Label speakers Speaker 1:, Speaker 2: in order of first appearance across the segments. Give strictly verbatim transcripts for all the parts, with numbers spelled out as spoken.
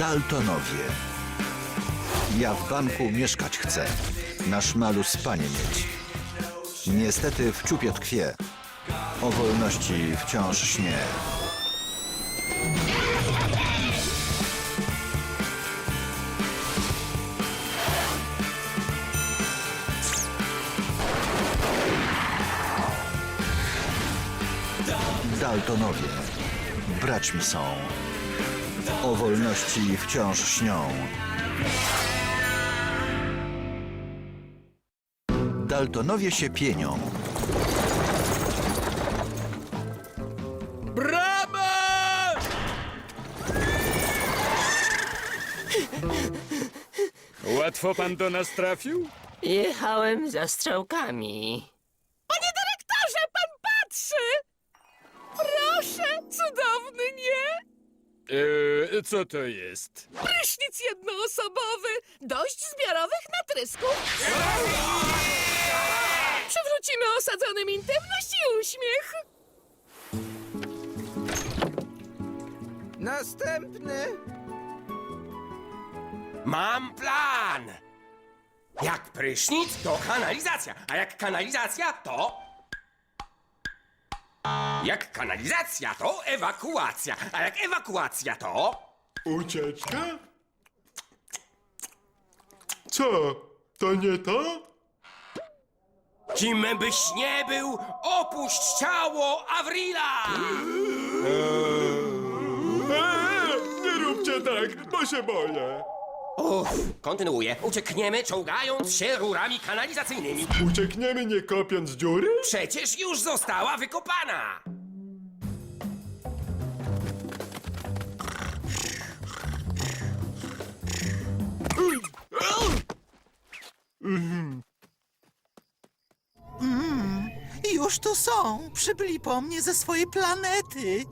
Speaker 1: Daltonowie. Ja w banku mieszkać chcę. Na szmalu spanie mieć. Niestety w ciupie tkwie. O wolności wciąż śnie. Daltonowie. Braćmi są. O wolności wciąż śnią. Daltonowie się pienią.
Speaker 2: Brama! Łatwo pan do nas trafił?
Speaker 3: Jechałem za strzałkami.
Speaker 4: Panie dyrektorze, pan patrzy! Proszę, cudowny, nie?
Speaker 2: Eee, co to jest?
Speaker 4: Prysznic jednoosobowy, dość zbiorowych natrysków. Przywrócimy osadzonym intymność i uśmiech.
Speaker 5: Następny.
Speaker 6: Mam plan! Jak prysznic, to kanalizacja, a jak kanalizacja, to... Jak kanalizacja, to ewakuacja, a jak ewakuacja, to...
Speaker 7: Ucieczka? Co? To nie to?
Speaker 6: Kim byś nie był, opuść ciało Avrila!
Speaker 7: Eee, nie róbcie tak, bo się boję.
Speaker 6: Uff, kontynuuję. Uciekniemy, czołgając się rurami kanalizacyjnymi.
Speaker 7: Uciekniemy nie kopiąc dziury?
Speaker 6: Przecież już została wykopana!
Speaker 5: Już tu są. Przybyli po mnie ze swojej planety.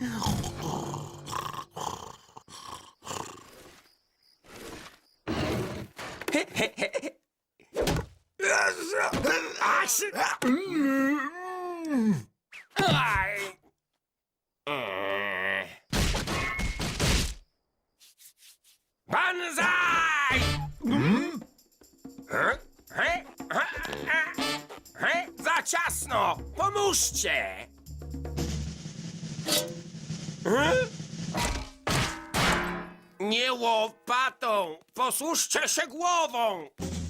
Speaker 6: Aś! Aj! Eee. Banzaj! He? He? He? He? Za ciasno! Pomóżcie! He? Nie łopatą! Posłuszcie się głową!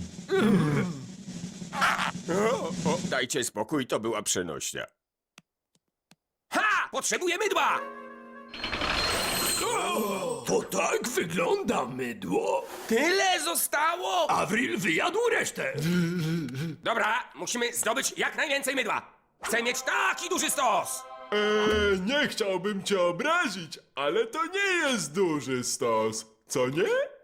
Speaker 6: O, o, dajcie spokój, to była przenośnia. Ha! Potrzebuję mydła!
Speaker 2: To tak wygląda mydło.
Speaker 6: Tyle zostało?
Speaker 2: Avril wyjadł resztę.
Speaker 6: Dobra, musimy zdobyć jak najwięcej mydła. Chcę mieć taki duży stos!
Speaker 7: Eee, nie chciałbym cię obrazić, ale to nie jest duży stos. Co nie?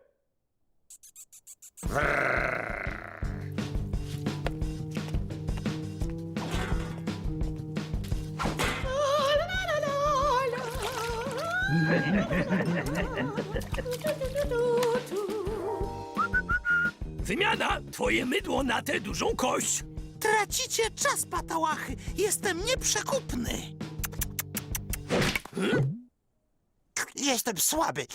Speaker 2: Wymiana, twoje mydło na tę dużą kość.
Speaker 5: Tracicie czas, patałachy. Jestem nieprzekupny. Jestem słaby.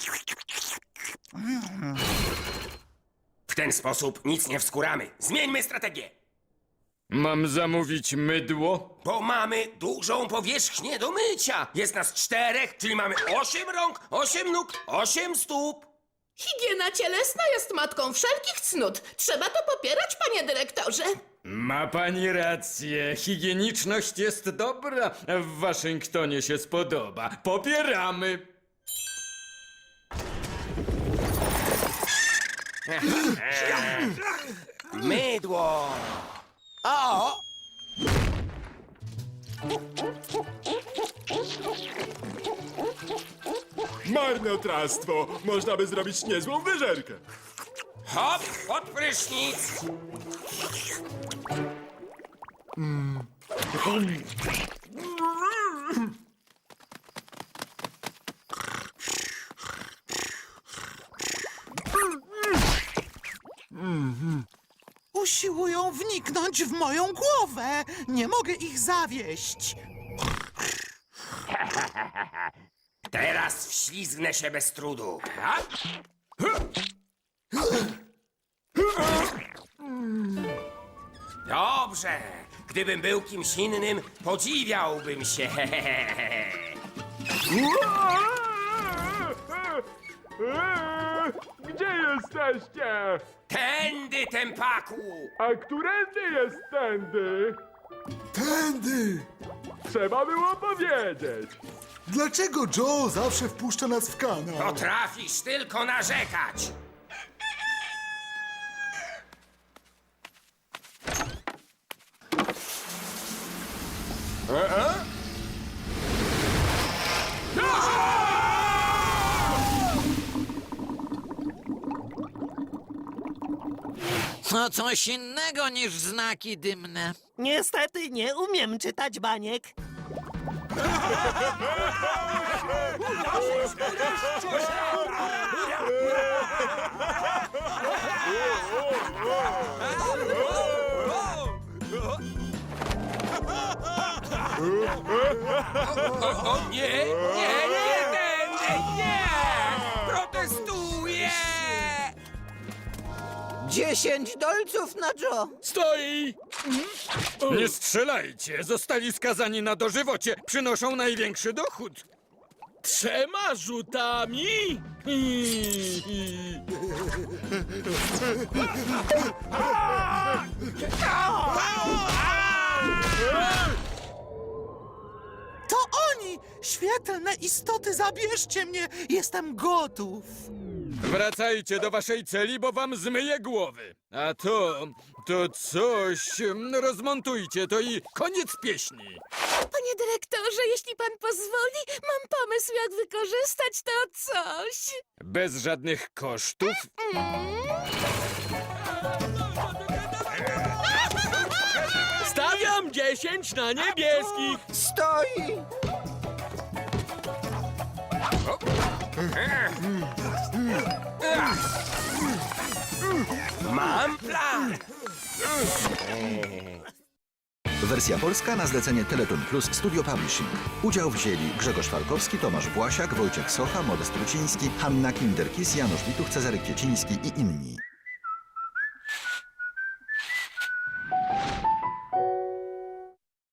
Speaker 6: W ten sposób nic nie wskuramy. Zmieńmy strategię.
Speaker 2: Mam zamówić mydło?
Speaker 6: Bo mamy dużą powierzchnię do mycia. Jest nas czterech, czyli mamy osiem rąk, osiem nóg, osiem stóp.
Speaker 4: Higiena cielesna jest matką wszelkich cnót. Trzeba to popierać, panie dyrektorze.
Speaker 2: Ma pani rację. Higieniczność jest dobra. W Waszyngtonie się spodoba. Popieramy.
Speaker 6: Mydło. O!
Speaker 7: Marnotrawstwo. Można by zrobić niezłą wyżerkę.
Speaker 6: Hop, pod prysznic.
Speaker 5: Usiłują wniknąć w moją głowę. Nie mogę ich zawieść.
Speaker 6: Teraz wślizgnę się bez trudu. Ha? Dobrze. Gdybym był kimś innym, podziwiałbym się.
Speaker 7: Gdzie jesteście?
Speaker 6: Tędy, tempaku!
Speaker 7: A którędy jest tędy?
Speaker 8: Tędy!
Speaker 7: Trzeba było powiedzieć.
Speaker 8: Dlaczego Joe zawsze wpuszcza nas w kanał?
Speaker 6: Potrafisz tylko narzekać.
Speaker 9: To coś innego niż znaki dymne.
Speaker 5: Niestety nie umiem czytać baniek.
Speaker 6: O nie, nie, nie będę, nie! Protestuję!
Speaker 5: Dziesięć dolców na Joe.
Speaker 2: Stoi! Nie strzelajcie! Zostali skazani na dożywocie. Przynoszą największy dochód. Trzema rzutami?
Speaker 5: To oni! Świetlne istoty, zabierzcie mnie! Jestem gotów!
Speaker 2: Wracajcie do waszej celi, bo wam zmyję głowy. A to, to coś... mm, Rozmontujcie to i koniec pieśni.
Speaker 4: Panie dyrektorze, jeśli pan pozwoli, mam pomysł, jak wykorzystać to coś.
Speaker 2: Bez żadnych kosztów. Stawiam dziesięć na niebieskich.
Speaker 5: Stoi!
Speaker 6: Mam plan!
Speaker 1: Wersja polska na zlecenie Teleton Plus Studio Publishing. Udział wzięli Grzegorz Falkowski, Tomasz Błasiak, Wojciech Socha, Modest Truciński, Hanna Kinderkis, Janusz Wituch, Cezary Kwieciński i inni.